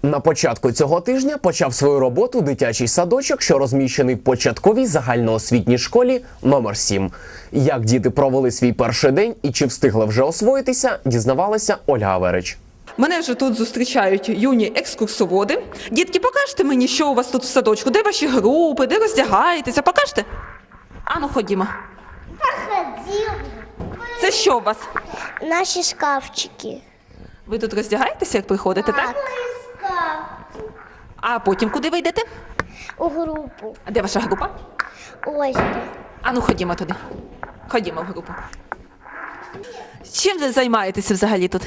На початку цього тижня почав свою роботу дитячий садочок, що розміщений в початковій загальноосвітній школі номер 7. Як діти провели свій перший день і чи встигли вже освоїтися, дізнавалася Ольга Аверич. Мене вже тут зустрічають юні екскурсоводи. Дітки, покажете мені, що у вас тут в садочку? Де ваші групи, де роздягаєтеся? Покажете? Ану, ходімо. Це що у вас? Наші шкафчики. Ви тут роздягаєтеся, як приходите, так? А потім куди ви йдете? У групу. А де ваша група? Ось де. Ану, ходімо туди. Ходімо в групу. Чим ви займаєтеся взагалі тут?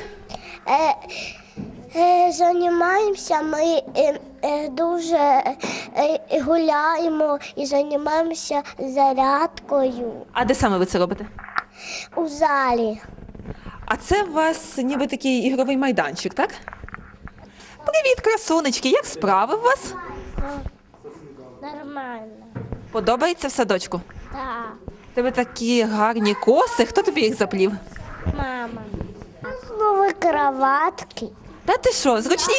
Займаємося, ми дуже гуляємо і займаємося зарядкою А де саме ви це робите? у залі. А це у вас ніби такий ігровий майданчик, так? Привіт, красунечки, як справи у вас? Нормально. Подобається в садочку? Так, У тебе такі гарні коси, хто тобі їх заплів? мама. Нові кроватки. Та ти що, зручні?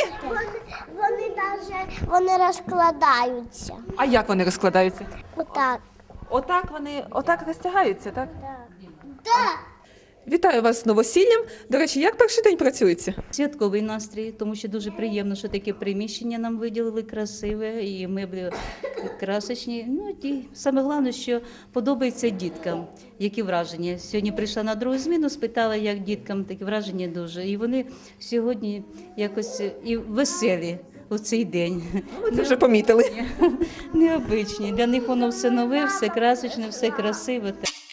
Вони розкладаються. А як вони розкладаються? Отак. Отак розтягаються, так? Так. Вітаю вас з новосіллям. До речі, як перший день працюється? Святковий настрій, тому що дуже приємно, що таке приміщення нам виділили красиве, і меблі красочні. Ну і саме головне, що подобається діткам, які враження. Сьогодні прийшла на другу зміну, спитала, як діткам, такі враження дуже. І вони сьогодні якось і веселі у цей день. Ви це вже помітили. Необичні. Для них воно все нове, все красочне, все красиве.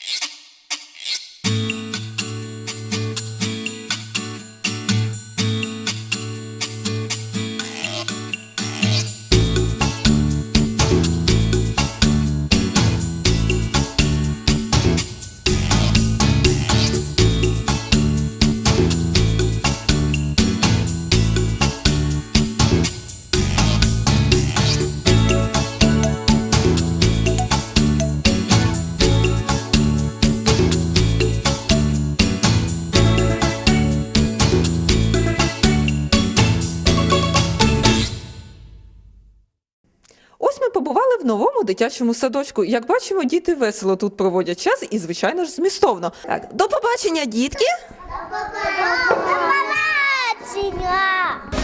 Ось ми побували в новому дитячому садочку. Як бачимо, діти весело тут проводять час і, звичайно ж, змістовно. Так, до побачення, дітки! До побачення!